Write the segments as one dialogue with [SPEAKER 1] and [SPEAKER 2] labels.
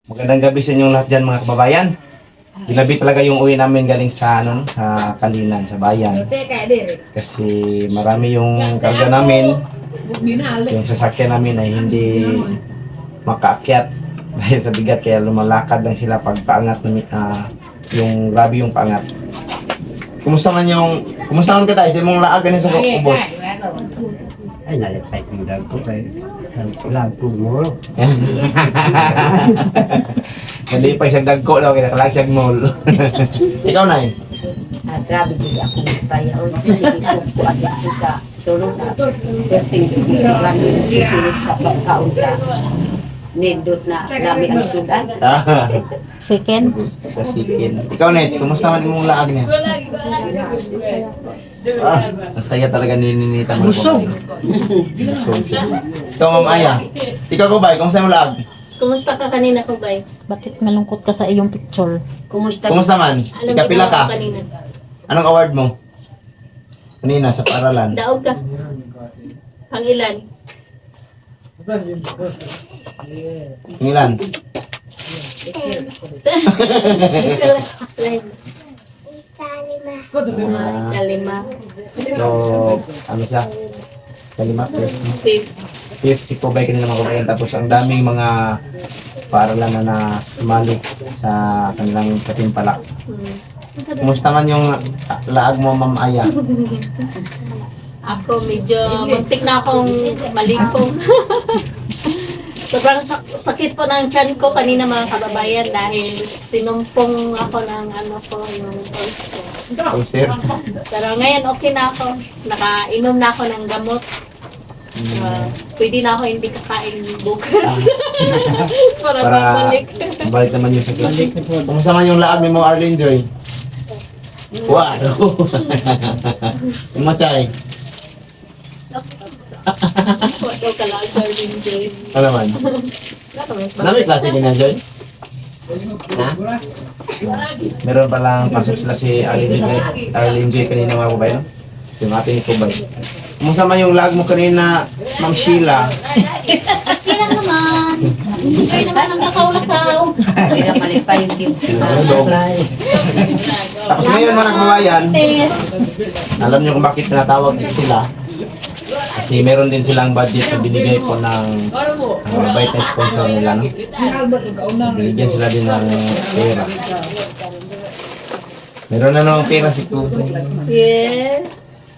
[SPEAKER 1] Magandang gabi sa inyong lahat dyan mga kababayan. Ginabi talaga yung uwi namin galing sa sa Kalinan, sa bayan. Kasi marami yung karga namin. Yung sasakyan namin ay hindi makaakyat dahil sa bigat, kaya lumalakad lang sila pag paangat na yung grabe yung paangat. Kumusta man ka tayo sa mong laag ganin sa ubos?
[SPEAKER 2] Ay, nalipay ko lang po kay lang po mo.
[SPEAKER 1] Hindi pa isang dagko daw, kaya nakalag mall. Ikaw na eh.
[SPEAKER 3] Grabe din ako bayaw. Sige ko ako sa solo na. Perting sa kami susunod sa pagkaon sa nindot na lami ang sudan. Second.
[SPEAKER 1] Sa sikin. Ikaw Nets, kumusta man mong laag niya? Ang saya talaga nininita mo. Busog. Busog siya. Ikaw Ma'am Aya. Ikaw Kubay, kumusta mo laag?
[SPEAKER 4] Kumusta ka kanina, Kubay?
[SPEAKER 3] Bakit malungkot ka sa iyong picture? Kumusta?
[SPEAKER 1] Kumusta man?
[SPEAKER 4] Anong
[SPEAKER 1] Ikapila
[SPEAKER 4] ginawa
[SPEAKER 1] ka?
[SPEAKER 4] mo kanina?
[SPEAKER 1] Anong award mo? Kanina sa paaralan.
[SPEAKER 4] Daog ka. Ang ilan?
[SPEAKER 1] Ilan?
[SPEAKER 4] Kalima.
[SPEAKER 1] So, ano siya? Kalima,
[SPEAKER 4] Fifth.
[SPEAKER 1] fifth si Kubay kanina mga kabayan. Tapos ang daming mga paaralan na sumali sa kanilang katimpalak. Kumusta man yung laag mo, Ma'am Aya?
[SPEAKER 4] Ako medyo muntik na akong malingkong. Sobrang sakit po ng tiyan ko kanina mga kababayan dahil sinumpong ako ng yung pulse ko.
[SPEAKER 1] Oh, sir.
[SPEAKER 4] Pero ngayon okay na ako. Nakainom na ako ng gamot. Pwede na ako hindi kakain bukas. Para babalik.
[SPEAKER 1] Balik naman yung sakit. Kumusta man yung laag ni mo, Arlene Joy? Wow! Umatay.
[SPEAKER 4] Ito ka lang, Sir Joy.
[SPEAKER 1] Ano man? Dami klase din na, Joy? Ha? Meron palang pasok sila si Arlene Joy kanina mga kabayan. Yung ate ni Kubay. Kumusta man yung lag mo kanina, Ma'am Sheila?
[SPEAKER 4] Sila naman. Enjoy naman ang lakaw-lakaw.
[SPEAKER 3] Kaya malipay yung team
[SPEAKER 1] Busog. Tapos ngayon mga kababayan, alam niyo kung bakit tinatawag sila? Kasi meron din silang budget na binigay po ng mabait na sponsor nila. No? So, binigyan sila din ng pera. Meron na namang pera si Kubo.
[SPEAKER 4] Yes.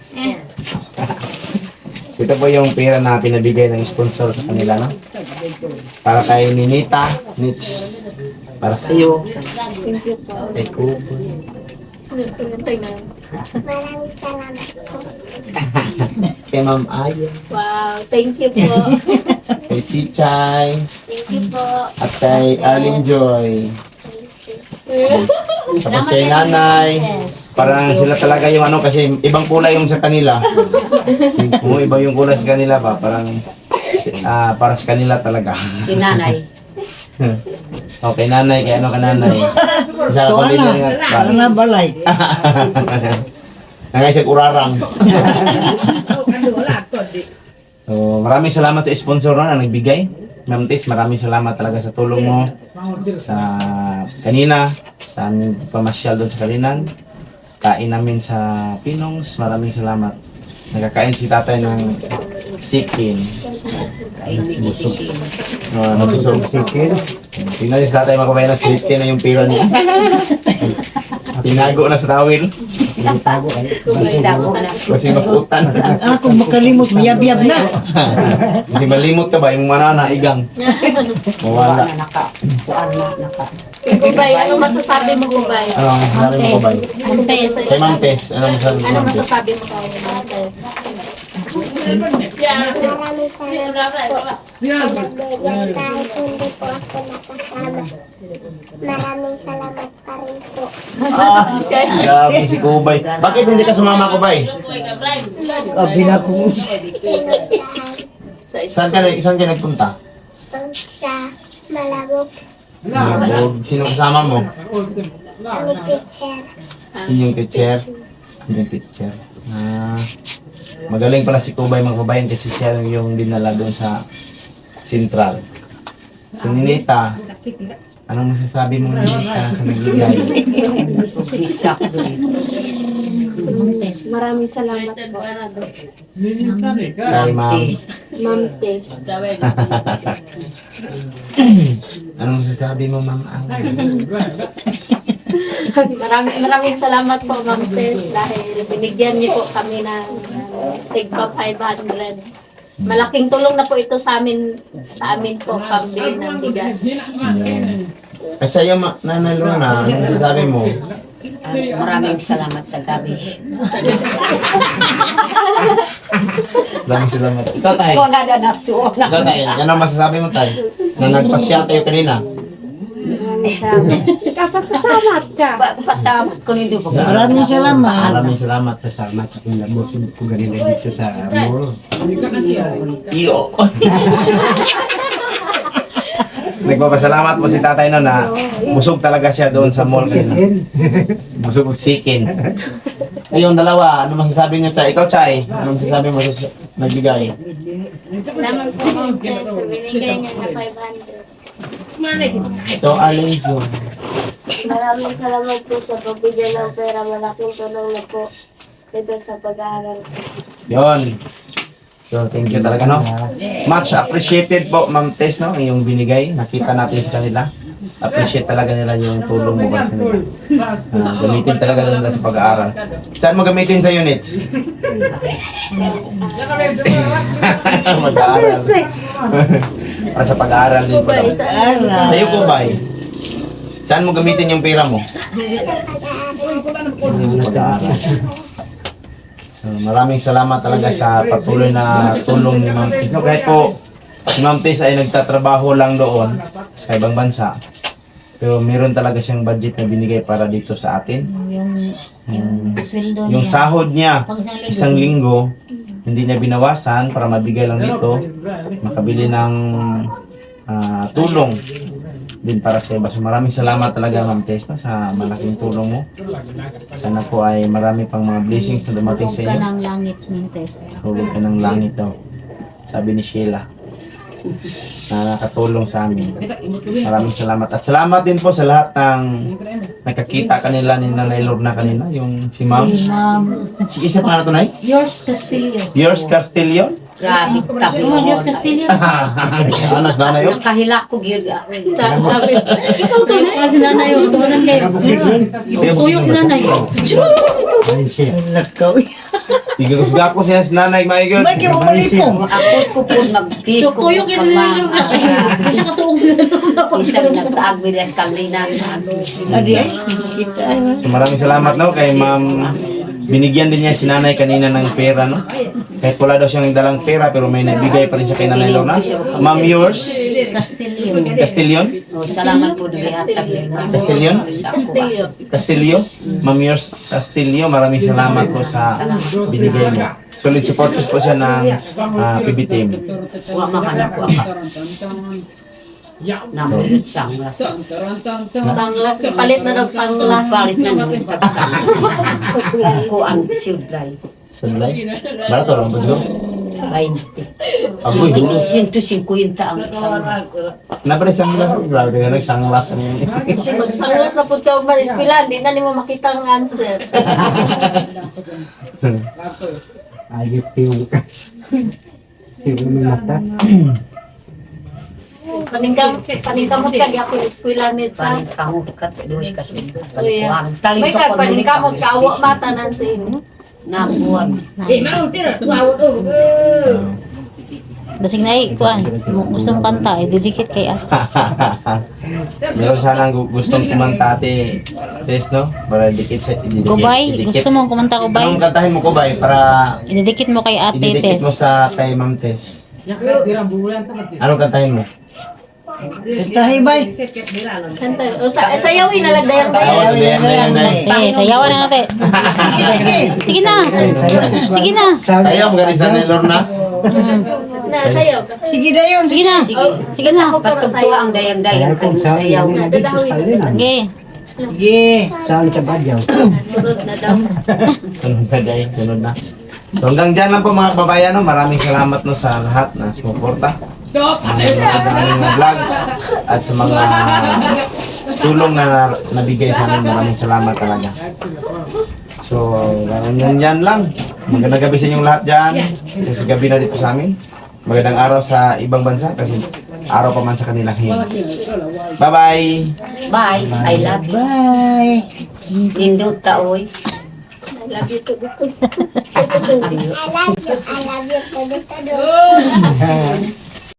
[SPEAKER 1] Ito po yung pera na pinabigay ng sponsor sa kanila. No? Para kay Ninita, Nits, para sa iyo,
[SPEAKER 4] Thank you po.
[SPEAKER 1] kay Kubo.
[SPEAKER 4] Maraming salamat po.
[SPEAKER 1] Kay Ma'am Aya,
[SPEAKER 4] Wow, thank you po.
[SPEAKER 1] kay Chichay,
[SPEAKER 4] Thank you po.
[SPEAKER 1] at kay Arlene Joy. Tapos kay Nanay. Parang sila talaga yung kasi ibang kulay yung sa kanila. Kung iba yung kulay sa kanila ba, parang para sa kanila talaga.
[SPEAKER 3] Si nanay.
[SPEAKER 1] Okay, Nanay, kay ka Nanay? Isa ka pamilya nga.
[SPEAKER 2] Parang nga balay.
[SPEAKER 1] Nangaysag urarang. So, maraming salamat sa sponsor na nagbigay. Ma'am Tis, maraming salamat talaga sa tulong mo sa kanina, sa aming pamasyal doon sa Kalinan. Kain namin sa Pinongs, maraming salamat. Nagkakain si tatay ng sikin. Nabusog chicken. Tingnan niyo si tatay makabayan ng sikin na yung pira niya. Tinago na sa tawil. Kasi maputan.
[SPEAKER 2] Ako makalimot, biyab-biyab na.
[SPEAKER 1] Kasi malimot ka ba yung manana, igang. Mawala.
[SPEAKER 4] Kubay, ano masasabi mo, Kubay?
[SPEAKER 1] Ano, sabi mo ko ba?
[SPEAKER 4] Antes.
[SPEAKER 1] Kay Ma'am Tess, ano masabi mo?
[SPEAKER 4] Ano
[SPEAKER 1] Ma'am Tess?
[SPEAKER 4] masasabi mo kay Antes?
[SPEAKER 5] Maraming salamat po. Kahit hindi po ako nakasama. Maraming salamat pa rin po.
[SPEAKER 1] Grabe si Kubay. Bakit hindi ka sumama, Kubay?
[SPEAKER 2] Abi na ko.
[SPEAKER 5] Pinuntahan
[SPEAKER 1] Saan ka nagpunta?
[SPEAKER 5] sa Malabog.
[SPEAKER 1] Malabog. Sino kasama mo?
[SPEAKER 5] Ang teacher.
[SPEAKER 1] Yung teacher. Yung teacher. Magaling pala si Kubay mga kabayan kasi siya yung dinala doon sa Central. Si Ninita, Anong masasabi mo sa nagbigay?
[SPEAKER 3] Sisak.
[SPEAKER 5] Maraming salamat po.
[SPEAKER 1] Kay ma'am.
[SPEAKER 5] Ma'am Tess.
[SPEAKER 1] Anong masasabi mo, ma'am?
[SPEAKER 4] Maraming salamat po, Ma'am Tess, dahil binigyan niyo po kami ng tigpa 500. Malaking tulong na po ito sa amin po, pambili ng bigas.
[SPEAKER 1] Kasi sa'yo, Nanay Lorna, anong masasabi mo?
[SPEAKER 3] Maraming salamat sa gabi.
[SPEAKER 1] Maraming salamat. Ikaw, Tay.
[SPEAKER 3] Ikaw na na to.
[SPEAKER 1] Ikaw, Tay. Ano masasabi mo, Tay? Na nagpasyal kayo kanina?
[SPEAKER 5] Kapagpasalamat ka.
[SPEAKER 3] Pasalamat ko nito po.
[SPEAKER 2] Maraming salamat.
[SPEAKER 1] Maraming salamat.
[SPEAKER 2] Pasalamat sa kinabot ko ganila dito sa mall.
[SPEAKER 1] Iyo. Nagpapasalamat po si tatay no na busog talaga siya doon sa mall kanina. Busog sikin. Ayun, dalawa. Ano masasabi niyo, Chay? Ikaw, Chay. Ano masasabi mo sa nagbigay?
[SPEAKER 5] Salamat po, Ma'am Tess. Sa binigay niyo na 500.
[SPEAKER 1] Ito, Arlene June.
[SPEAKER 5] Maraming salamat po sa pagbigay ng pera. Malaking tulong na po dito sa pag-aaral ko.
[SPEAKER 1] Yun. So, thank you talaga, no? Much appreciated po, Ma'am Tess, no? Yung binigay. Nakita natin sa kanila. Appreciate talaga nila yung tulong mo ba sa kanila. Gamitin talaga nila sa pag-aaral. Saan mo gamitin sa units? Mag-aaral. Para sa pag-aaral din po. Sa iyo po, Bay. Saan mo gamitin yung pera mo? Sa pag-aaral. So, maraming salamat talaga sa patuloy na tulong ni Ma'am Tess. No, kahit po si Ma'am Tess ay nagtatrabaho lang doon sa ibang bansa. Pero meron talaga siyang budget na binigay para dito sa atin. Yung sahod niya, isang linggo, hindi niya binawasan para mabigay lang dito. Makabili ng tulong din para sa iba. So maraming salamat talaga, Ma'am Tess, no, sa malaking tulong mo. Sana po ay marami pang mga blessings na dumating sa
[SPEAKER 4] Ka
[SPEAKER 1] inyo.
[SPEAKER 4] ng langit ng Tess.
[SPEAKER 1] Hulog ka ng langit daw. Sabi ni Sheila. Na nakatulong sa amin. Maraming salamat. At salamat din po sa lahat ng nakakita kanila ni Nanay Lorna kanina. Yung si Ma'am. Si isa pa na ito, Nay?
[SPEAKER 4] Yours Castillo.
[SPEAKER 1] Yours Castillo?
[SPEAKER 3] Grabe, tabi
[SPEAKER 4] Oh,
[SPEAKER 3] mo.
[SPEAKER 4] yours Castillo.
[SPEAKER 1] Anas na na yun?
[SPEAKER 3] Nakahila ko, Girga.
[SPEAKER 4] Sa sabi, ikaw to na si nanay, yung tumanan kayo. Tuyok si nanay.
[SPEAKER 2] Ay, siya.
[SPEAKER 1] Igagusga ko siya si Nanay Maigod.
[SPEAKER 3] May kiwali po. Ako ko po mag-kiss ko.
[SPEAKER 4] Tuyok yung si nanay. Kasi siya katuong si nanay.
[SPEAKER 3] Isang nagtaag bilas kalinan. Adi ay, kita.
[SPEAKER 1] So maraming salamat no kay Ma'am. Binigyan din niya si Nanay kanina ng pera, no? Kahit wala daw siyang dalang pera pero may nagbigay pa rin siya kay Nanay Lorna. Ma'am, yours?
[SPEAKER 4] Castillo.
[SPEAKER 1] Castillion?
[SPEAKER 3] Oh, salamat po dali hatag ni Ma'am.
[SPEAKER 1] Castillion?
[SPEAKER 4] Castillo.
[SPEAKER 1] Castillo? Ma'am, yours? Castillo, maraming salamat po sa binigay mo. Solid supporters po siya ng PB team.
[SPEAKER 3] Wa makanak wa ka. Namulot siyang
[SPEAKER 4] Sanglas. Palit na daw sanglas.
[SPEAKER 3] palit na nung ko ang silbray.
[SPEAKER 1] Sunlight? Barato lang po
[SPEAKER 3] 20.
[SPEAKER 1] Agoy, duro.
[SPEAKER 3] 150 ang isang
[SPEAKER 1] Napre sanglas. Grabe ka nagsanglas.
[SPEAKER 4] Kasi magsanglas na po ka ba eskwela, hindi na mo makita ang answer.
[SPEAKER 2] Ayot yung mata.
[SPEAKER 4] Paningkamot ka, di ako eskwela ni sa.
[SPEAKER 3] palit kahot ka dos ka sundo.
[SPEAKER 4] Kuya.
[SPEAKER 3] Taling
[SPEAKER 4] May
[SPEAKER 3] ka
[SPEAKER 4] kag paningkamot ka, awa mata nan sa inyo.
[SPEAKER 3] nabuwan.
[SPEAKER 6] Basig na kuan. Gusto mo kanta, didikit kay
[SPEAKER 1] Meron sanang gustong kumanta ate Tess, no? Para dikit sa ididikit.
[SPEAKER 6] Kubay,
[SPEAKER 1] idikit.
[SPEAKER 6] gusto mo kumanta kubay?
[SPEAKER 1] Anong kantahin mo Kubay para
[SPEAKER 6] Ididikit mo kay Ate
[SPEAKER 1] ididikit mo
[SPEAKER 6] Tess.
[SPEAKER 1] sa kay Ma'am Tess? Anong kantahin mo?
[SPEAKER 2] Tahibay.
[SPEAKER 4] Kanta. O sayawin na lang dayang-dayang.
[SPEAKER 6] Sige, sayawan na natin. Sige na. Sige na.
[SPEAKER 1] Sayaw, magalis na ni Lorna.
[SPEAKER 4] Na sayaw.
[SPEAKER 2] Sige na yun.
[SPEAKER 6] Sige na. Sige na.
[SPEAKER 3] Pagtuwa ang dayang-dayang kung sayaw.
[SPEAKER 4] Dadahawin na.
[SPEAKER 6] Sige.
[SPEAKER 2] Sige. Saan sa badyaw?
[SPEAKER 4] Sunod na daw.
[SPEAKER 1] Sunod na day, sunod na. So hanggang dyan lang po mga kababayan, no? Maraming salamat no sa lahat na sumuporta. Ang mga vlog at sa mga tulong na nabigay sa amin. Maraming salamat talaga. So, yan lang. Magandang gabi sa inyong lahat dyan. Kasi gabi na dito sa amin. Magandang araw sa ibang bansa kasi araw pa man sa kanilang hiyan. Bye-bye!
[SPEAKER 3] Bye. I love you.
[SPEAKER 2] Bye!
[SPEAKER 3] Nindot ta, oy.
[SPEAKER 4] I love you too.
[SPEAKER 5] I love you. I love you.